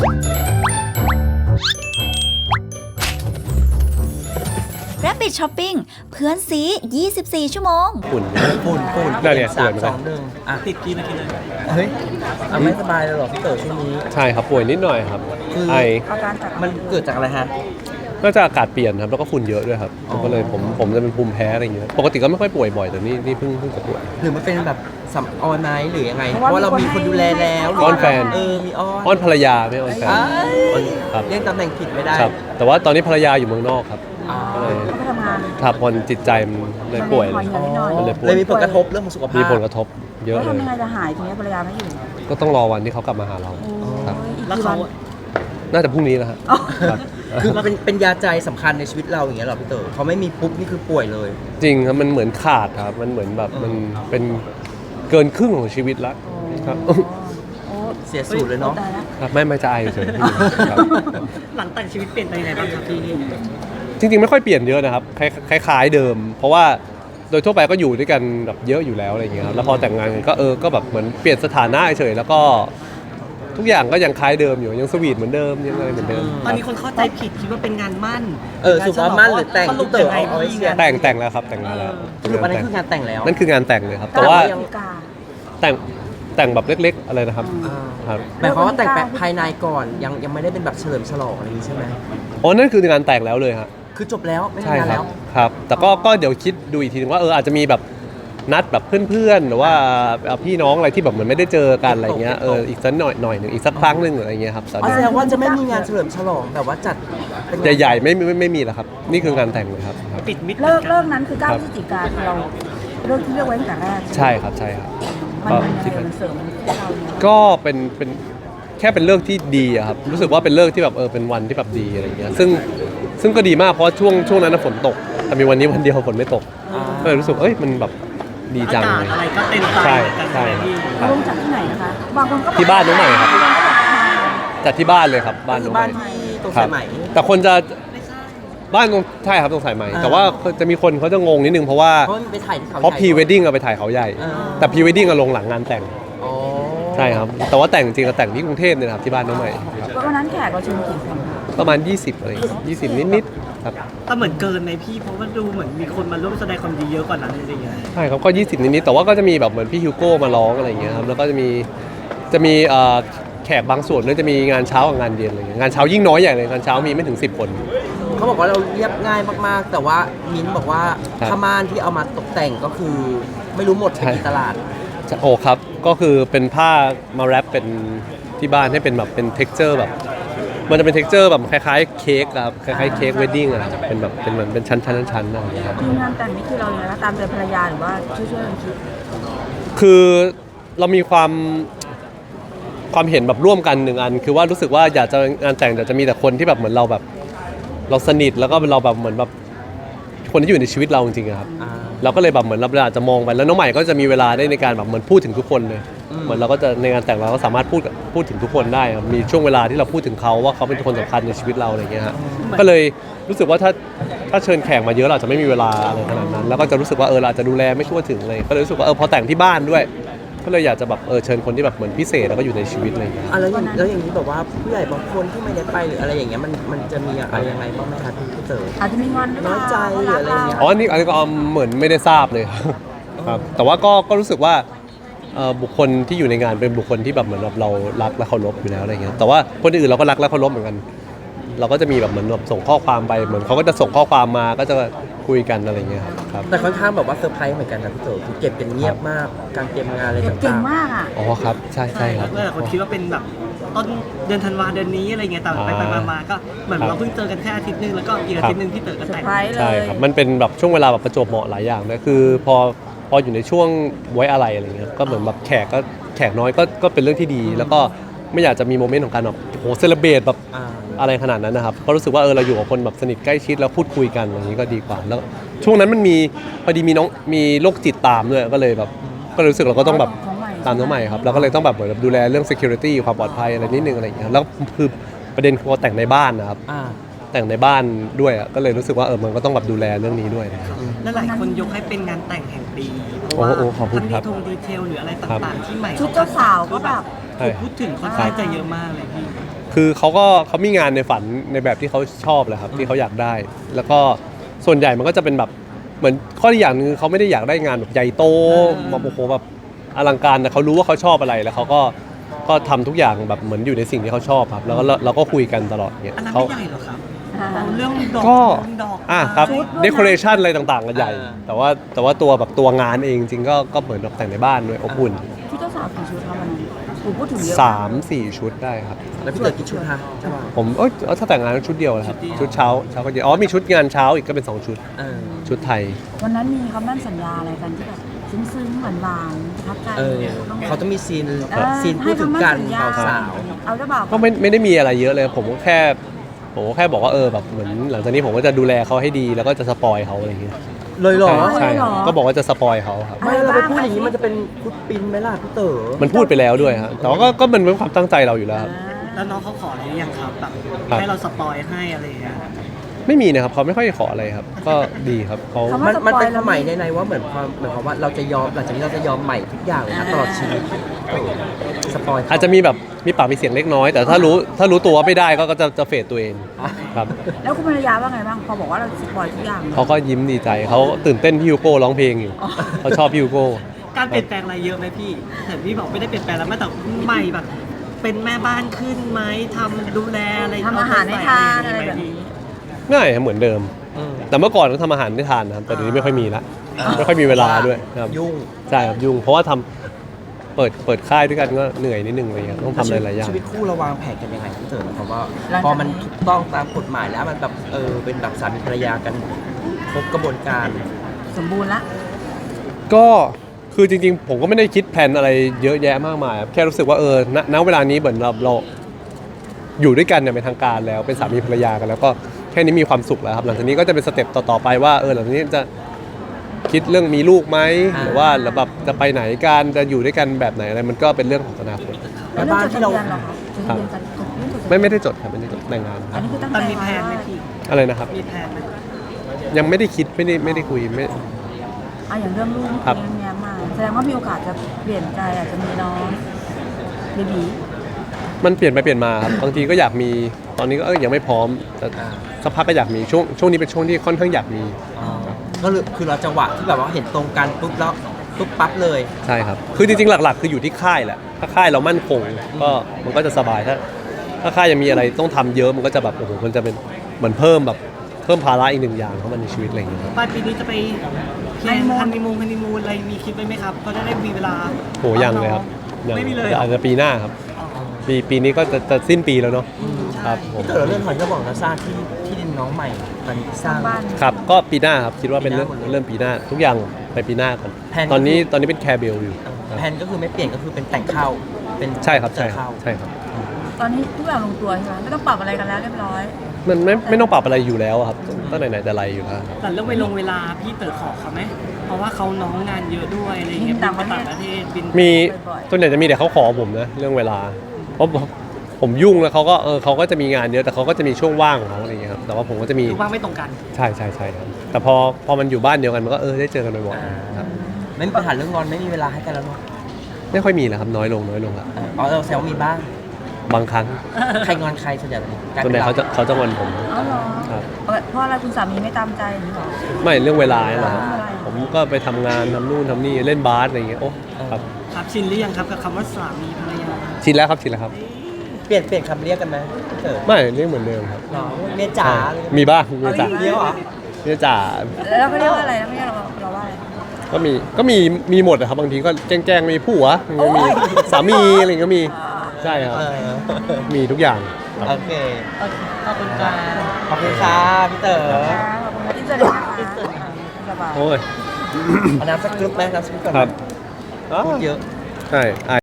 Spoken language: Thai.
Rabbit Shopping เพื่อนซี 24 ชั่วโมงฝุ่นนั่นเนี่ย 3 2 1ติดกี่นาทีเลยเฮ้ยไม่สบายเลยหรอพี่เต๋อช่วงนี้ใช่ครับป่วยนิดหน่อยครับไอมันเกิดจากอะไรฮะก็จะอากาศเปลี่ยนครับแล้วก็ฝุ่นเยอะด้วยครับก็เลยผมจะเป็นภูมิแพ้อะไรอย่างเงี้ยปกติก็ไม่ค่อยป่วยบ่อยแต่นี่เพิ่งจะป่วยหรือมันเป็นแบบสัมออนไนท์หรือยังไงเพราะว่าเรามีคนดูแลแล้วอ้อนแฟนมีอ้อนภรรยาไม่อ้อนแฟนครับเรียกตำแหน่งผิดไม่ได้ครับแต่ว่าตอนนี้ภรรยาอยู่เมืองนอกครับก็เลยทับพอจิตใจมันเลยป่วยเลยมีผลกระทบเรื่องของสุขภาพมีผลกระทบเยอะเลยทำยังไงจะหายทีนี้ภรรยาไม่อยู่ก็ต้องรอวันที่เขากลับมาหาเราครับแล้วเขาน่าจะพรุ่งนี้แล้วครับคือมันเป็นยาใจสำคัญในชีวิตเราอย่างเงี้ยหรอพี่เต๋อเขาไม่มีปุ๊บนี่คือป่วยเลยจริงครับมันเหมือนขาดครับมันเหมือนแบบมันเป็นเกินครึ่งของชีวิตแล้วครับเสียสูตรเลยเนาะครับไม่ใจเฉยหลังแต่งชีวิตเปลี่ยนไปยังไงบ้างครับพี่จริงๆไม่ค่อยเปลี่ยนเยอะนะครับคล้ายๆเดิมเพราะว่าโดยทั่วไปก็อยู่ด้วยกันแบบเยอะอยู่แล้วอะไรอย่างเงี้ยครับแล้วพอแต่งงานกันก็แบบเหมือนเปลี่ยนสถานะเฉยแล้วก็ทุกอย่างก็ยังคล้ายเดิมอยู่ยังสวีทเหมือนเดิมยังอะไรเหมือนเดิมตอนนี้คนเข้าใจผิดคิดว่าเป็นงานมั่นสุภาพมั่นหรือแต่งพี่เต๋อเอาไว้เชียร์แต่งแล้วครับแต่งแล้วคืออันนั้นคืองานแต่งแล้วนั่นคืองานแต่งเลยครับแต่ว่าแต่งแบบเล็กๆอะไรนะครับหมายความว่าแต่งภายในก่อนยังไม่ได้เป็นแบบเฉลิมฉลองอะไรนี้ใช่ไหมอ๋อนั่นคืองานแต่งแล้วเลยครับคือจบแล้วไม่ทำงานแล้วครับแต่ก็เดี๋ยวคิดดูอีกทีนึงว่าอาจจะมีแบบนัดแบบเพื่อนๆหรือว่าพี่น้องอะไรที่แบบเหมือนไม่ได้เจอกันอะไรเงี้ยอีกสักหน่อยหนึ่งอีกสักครั้งหนึ่งอะไรเงี้ยครับแสดงว่าจะไม่มีงานเฉลิมฉลองแต่ว่าจัดใหญ่ๆไม่มีแล้วครับนี่คืองานแต่งเลยครับปิดมิดเลิกนั้นคือ9 พฤศจิกายนเราเลิกที่เลือกไว้ตั้งแต่แรกใช่ครับมันเสริมเราก็เป็นแค่เป็นเลิกที่ดีอะครับรู้สึกว่าเป็นเลิกที่แบบเป็นวันที่แบบดีอะไรเงี้ยซึ่งก็ดีมากเพราะช่วงนั้นฝนตกแต่มีวันนี้วันเดียวฝนไม่ตกก็เลยรู้สึกมันแบบดีจังเลยอะไรก็เต็มใจใช่ลงจากที่ไหนนะคะบางคนก็ที่บ้านน้องใหม่ครับจัดที่บ้านเลยครับบ้านน้องใหม่ตรงสายไหมแต่คนจะบ้านตรงใช่ครับตรงสายไหมแต่ว่าจะมีคนเขาจะงงนิดนึงเพราะว่าเพราะพรีเวดดิ้งไปถ่ายเขาใหญ่แต่พรีเวดดิ้งลงหลังงานแต่งใช่ครับแต่ว่าแต่งจริงเราแต่งที่กรุงเทพเนี่ยครับที่บ้านน้องใหม่วันนั้นแขกเราเชิญกี่คนประมาณ20อะไร20นิดๆครับแต่เหมือนเกินในพี่เพราะว่าดูเหมือนมีคนมาร่วมแสดงความดีเยอะกว่านั้นจริงๆใช่ครับก็20นิดๆแต่ว่าก็จะมีแบบเหมือนพี่ฮิวโก้มาร้องอะไรอย่างเงี้ยครับแล้วก็จะมีแขกบางส่วนด้วยจะมีงานเช้ากับงานเย็นอะไรเงี้ยงานเช้ายิ่งน้อยใหญ่เลยงานเช้ามีไม่ถึง10 คนเขาบอกว่าเราเรียบง่ายมากๆแต่ว่ามิ้นบอกว่าผ้าม่านที่เอามาตกแต่งก็คือไม่รู้หมดที่ตลาดโอ้ครับก็คือเป็นผ้ามาแรปเป็นที่บ้านให้เป็นแบบเป็นเท็กเจอร์แบบมันจะเป็นเท็กเจอร์แบบคล้ายๆเค้กครับคล้ายๆเค้กเวดดิ้งอะเป็นแบบเป็นเหมือนเป็นชั้นอะไรอย่างเงี้ยครับงานแต่งนี่คือเราเนี่ยนะตามใจภรรยาหรือว่าช่วยกันคิดคือเรามีความเห็นแบบร่วมกัน1 อันคือว่ารู้สึกว่าอยากจะงานแต่งจะมีแต่คนที่แบบเหมือนเราแบบเราสนิทแล้วก็เราแบบเหมือนแบบคนที่อยู่ในชีวิตเราจริงๆครับเราก็เลยแบบเหมือนเราอาจจะมองไปแล้วน้องใหม่ก็จะมีเวลาได้ในการแบบเหมือนพูดถึงทุกคนเลยเหมือนเราก็จะในงานแต่งเราก็สามารถพูดถึงทุกคนได้ครับมีช่วงเวลาที่เราพูดถึงเขาว่าเขาเป็นคนสำคัญในชีวิตเราอะไรเงี้ยฮะก็เลยรู้สึกว่าถ้าเชิญแขกมาเยอะเราจะไม่มีเวลาอะไรขนาดนั้นแล้วก็จะรู้สึกว่าเราอาจจะดูแลไม่ทั่วถึงเลยก็เลยรู้สึกว่าพอแต่งที่บ้านด้วยก็เลยอยากจะแบบเชิญคนที่แบบเหมือนพิเศษแล้วก็อยู่ในชีวิตอะไรอย่างเงี้ยแล้วอย่างนี้แบบว่าผู้ใหญ่บางคนที่ไม่ได้ไปหรืออะไรอย่างเงี้ยมันจะมีอะไรยังไงบ้างไหมคะพี่เต๋ออาจจะมีงอนน้อยใจหรืออะไรเงี้ยอันนี้ก็เหมือนไม่ได้ทราบเลยครับแต่ว่าก็รู้สึกว่าบุคคลที่อยู่ในงานเป็นบุคคลที่แบบเหมือนเรารักและเคารพอยู่แล้วอะไรเงี้ยแต่ว่าคนอื่นเราก็รักและเคารพเหมือนกันเราก็จะมีแบบเหมือนส่งข้อความไปเหมือนเขาก็จะส่งข้อความมาก็จะคุยกันอะไรเงี้ยครับแต่ค่อนข้างแบบว่าเซอร์ไพรส์เหมือนกันนะพี่เต๋อคือเก็บกันเงียบมากการเตรียมงานอะไรต่างๆเก่งมากอ่ะอ๋อครับใช่ครับคนคิดว่าเป็นแบบต้นเดือนธันวาเดือนนี้อะไรเงี้ยแต่ไปมาก็เหมือนเราเพิ่งเจอกันแค่อาทิตย์นึงแล้วก็อีกอาทิตย์นึงที่เต๋อก็แต่งใช่ครับมันเป็นแบบช่วงเวลาแบบประจวบเหมาะหลายอย่างนะคือพออยู่ในช่วงไว้อะไรเงี้ยก็เหมือนแบบแขกน้อยก็เป็นเรื่องที่ดีแล้วก็ไม่อยากจะมีโมเมนต์ของการแบบโหเซเลบเรตแบบอะไรขนาดนั้นนะครับก็รู้สึกว่าเราอยู่กับคนแบบสนิทใกล้ชิดแล้วพูดคุยกันอย่างนี้ก็ดีกว่าแล้วช่วงนั้นมันมีพอดีมีโรคจิตตามด้วยก็เลยรู้สึกเราก็ต้องแบบตามน้องใหม่ครับเราก็เลยต้องแบบเหมือนดูแลเรื่อง security ความปลอดภัยอะไรนิดนึงอะไรอย่างเงี้ยแล้วคือประเด็นคือแต่งในบ้านนะครับแต่งในบ้านด้วยก็เลยรู้สึกว่ามันก็ต้องแบบดูแลเรื่องนี้ด้วยและหลายคนยกให้เป็นงานแต่งแห่งปีเพราะว่าทั้งดีเทลหรืออะไรต่างๆที่ใหม่ชุดเจ้าสาวก็แบบพูดถึงค่อนข้างจะเยอะมากเลยพี่คือเขามีงานในฝันในแบบที่เขาชอบแหละครับที่เขาอยากได้ แล้วก็ส่วนใหญ่มันก็จะเป็นแบบเหมือนข้อที่อย่างหนึงคือเขาไม่ได้อยากได้งานแบบใหญ่โตแบบโอ้โหแบบอลังการแต่เขารู้ว่าเขาชอบอะไรแล้วเขาก็ทำทุกอย่างแบบเหมือนอยู่ในสิ่งที่เขาชอบครับแล้วก็เราก็คุยกันตลอดเนี่ยอันนั้นเขาไม่ใหญ่หรอครับเอาเรื่องดอกก็เรื่องดอกครับชุดเดคอเรชันอะไรต่างๆก็ใหญ่ แต่ว่าตัวแบบตัวงานเองจริงๆก็เหมือนแบบแต่งในบ้านด้วยอบอุ่นชุดเจ้าสาวกี่ชุดคะวันนั้นผมพูดถึงเยอะ 3-4 ชุดได้ครับแล้วพี่เต๋อกี่ชุดฮะใช่ป่ะผมถ้าแต่งงานชุดเดียวนะครับชุดเช้าก็เดียวมีชุดงานเช้าอีกก็เป็น2ชุดเออชุดไทยวันนั้นมีคำมั่นสัญญาอะไรกันที่แบบซึ้งๆหวานๆประทับใจเออต้องเขาต้องมีซีนเออซีนพูดถึงกันให้คำมั่นสัญญเบาสาวเอาเจ้าบ่าวก็ไม่ได้มีอะไรเยอะเลยผมก็แค่บอกว่าแบบเหมือนหลังจากนี้ผมก็จะดูแลเขาให้ดีแล้วก็จะสปอยเขาอะไรอย่างเงี้ยเลยเหรอใช่ครับก็บอกว่าจะสปอยเขาครับไม่เราไปพูดอย่างนี้มันจะเป็นพุดปินไหมล่ะพี่เต๋อมันพูดไปแล้วด้วยครับแต่ว่าก็มันเป็นความตั้งใจเราอยู่แล้วครับแล้วน้องเขาขออะไรหรือยังครับแบบครับให้เราสปอยให้อะไรอย่างเงี้ยไม่มีนะครับเขาไม่ค่อยขออะไรครับ ก็ดีครับเขามันเป็นความหมายในว่าเหมือนความว่าเราจะยอมหลังจากนี้เราจะยอมใหม่ทุกอย่างเลยนะตลอดชีวิตสปอยอาจจะมีแบบมีปากมีเสียงเล็กน้อย แต่ถ้ารู้ตัวว่าไม่ได้ก็จะเฟดตัวเองครับแล้วคุณภรรยาว่าไงบ้างพอบอกว่าเราสปอยทุกอย่างเขาก็ยิ้มดีใจเขาตื่นเต้นพี่ฮิวโก้ร้องเพลงอยู่เขาชอบพี่ฮิวโก้การเปลี่ยนแปลงอะไรเยอะไหมพี่เห็นพี่บอกไม่ได้เปลี่ยนแปลงแล้วแม้แต่ใหม่แบบ เป็นแม่บ้านขึ้นไหมทำดูแลอะไรทำอาหารให้ทานอะไรแบบนี้ง่ายครับเหมือนเดิม แต่เมื่อก่อนก็ทำอาหารได้ทานนะครับแต่เดี๋ยวนี้ไม่ค่อยมีละไม่ค่อยมีเวลาด้วยครับยุ่งใช่ครับยุ่งเพราะว่าเปิดค่ายด้วยกันก็เหนื่อยนิดนึงอะไรเงี้ยต้องทำหลายๆอย่างชีวิตคู่เราวางแผนกันยังไงพี่เต๋อเพราะว่าพอมันถูกต้องตามกฎหมายแล้วมันแบบเป็นแบบสามีภรรยากันครบกระบวนการสมบูรณ์ละก็คือจริงๆผมก็ไม่ได้คิดแผนอะไรเยอะแยะมากมายครับแค่รู้สึกว่าณเวลานี้เหมือนเราอยู่ด้วยกันเนี่ยเป็นทางการแล้วเป็นสามีภรรยากันแล้วก็แค่นี้มีความสุขแล้วครับหลังจากนี้ก็จะเป็นสเต็ปต่อๆไปว่าหลังจากนี้จะคิดเรื่องมีลูกไหมหรือว่าแบบจะไปไหนกันจะอยู่ด้วยกันแบบไหนอะไรมันก็เป็นเรื่องของอนาคตแล้วเรื่องจดทะเบียนเหรอคะจดทะเบียนกันเรื่องจดทะเบียนไม่ได้จดครับไม่ได้จดแต่งงานคอัรันบนี้คือตั้งตอนใจมีแพลไว้นไหมว่าพี่อะไรนะครับมีแพลนไหมยังไม่ได้คิดไม่ได้คุยไม่อย่างเรื่องลูกครับเรื่องเนี้ยมาแสดงว่ามีโอกาสจะเปลี่ยนใจอาจจะมีน้องเบบีมันเปลี่ยนไปเปลี่ยนมาครับบางทีก็อยากมีตอนนี้ก็ยังไม่พร้อมแต่สักพักก็อยากมีช่วงนี้เป็นช่วงที่ค่อนข้างอยากมีก็คือเราจังหวะที่แบบว่าเห็นตรงกันปุ๊บแล้วปุ๊บปั๊บเลยใช่ครับคือจริงๆหลักๆ คืออยู่ที่ค่ายแหละถ้าค่ายเรามั่นคงก็มันก็จะสบายถ้าค่ายยังมีอะไรต้องทำเยอะมันก็จะแบบโอ้โหมันจะเป็นเหมือนเพิ่มภาระอีกหนึ่งอย่างเข้ามาในชีวิตอะไรอย่างเงี้ยครับปลายปีนี้จะไปแพลนฮันนีมูนอะไรมีคิดไว้ไหมครับเขาจะได้มีเวลาโหยังเลยครับยังไม่มีเลยเหรออาจจะปีหน้าครับปีนี้ก็จะสิ้นปีแล้วเนาะครับผมพี่เต๋อเรื่องหอยกระบอกนาซาที่ดินน้องใหม่ตอนนี้สร้างบ้านครับก็ปีหน้าครับคิดว่าเป็นปีหน้าหมดเลยเริ่มปีหน้าทุกอย่างไปปีหน้าก่อนแผนตอนนี้เป็นแคร์เบลอยู่ครับแผนก็คือไม่เปลี่ยนก็คือเป็นแต่งเข้าเป็นใช่ครับเจใช่อครัเข้าบใช่ครับตอนนี้ทุกอย่างลงตัวใช่ไหมไม่ต้องปรับอะไรกันแล้วเรียบร้อยมันไม่ต้องปรับอะไรอยู่แล้วอะครับตั้งไหนแต่ไรอยู่แล้วครับแต่เรื่องเวลาพี่เต๋อขอเขาไหมเพราะว่าเขาน้องงานเยอะด้วยอะไรอย่างเงี้ยบินต่างประเทศบินไปต่างประเทศบินมีบ่อยๆส่วนใหญ่จะมีแต่เขาขอผมนะเรื่องเวลาเพราะผมยุ่งแล้วเขาก็จะมีงานเยอะแต่เขาก็จะมีช่วงว่างของเขาอะไรอย่างเงี้ยครับแต่ว่าผมก็จะมีคือว่างไม่ตรงกันใช่ครับแต่พอมันอยู่บ้านเดียวกันมันก็ได้เจอกันบ่อยๆครับไม่มีปัญหาเรื่องงอนไม่มีเวลาให้กันแล้วเนาะไม่ค่อยมีแล้วครับน้อยลงละเราแซวมีบ้างบางครั้งใครงอนใครส่วนใหญ่กลายส่วนเป็ใหญ่นเขาจะงอนผมเอาเหรอครับเพราะอะไรคุณสามีไม่ตามใจหรือเปล่าไม่เรื่องเวลาเนี่ยแหละครับเรื่องอะไรผมก็ไปทำงานทำนู่นทำนี่เล่นบาสอะไรอย่างเงี้ยโอ้ครับครับชินหรือยังครับกับคำว่าสามีภรรยาชินแล้วครับเปลี่ยนคำเรียกกันไหมพี่เต๋อไม่เรียกเหมือนเดิมครับหรอเมียจ๋ามีบ้างเมียจ๋าเยอะเหรอเมียจ๋าแล้วเขาเรียกว่าอะไรแล้วไม่เรียกเราว่าอะไรก็มีหมดนะครับบางทีก็แกล้งมีผัวมีสามีอะไรอย่างเงี้ยก็มีใช่ครับ มีทุกอย่างครับโอเคขอบคุณครับขอบคุณค่ะพี่เต๋อขอบคุณที่เจอเลยนะคะสบายโอ้ยเอาน้ำสักกรึ๊บไหมน้ำสักกรึ๊บก่อนครับพูดเยอะใช่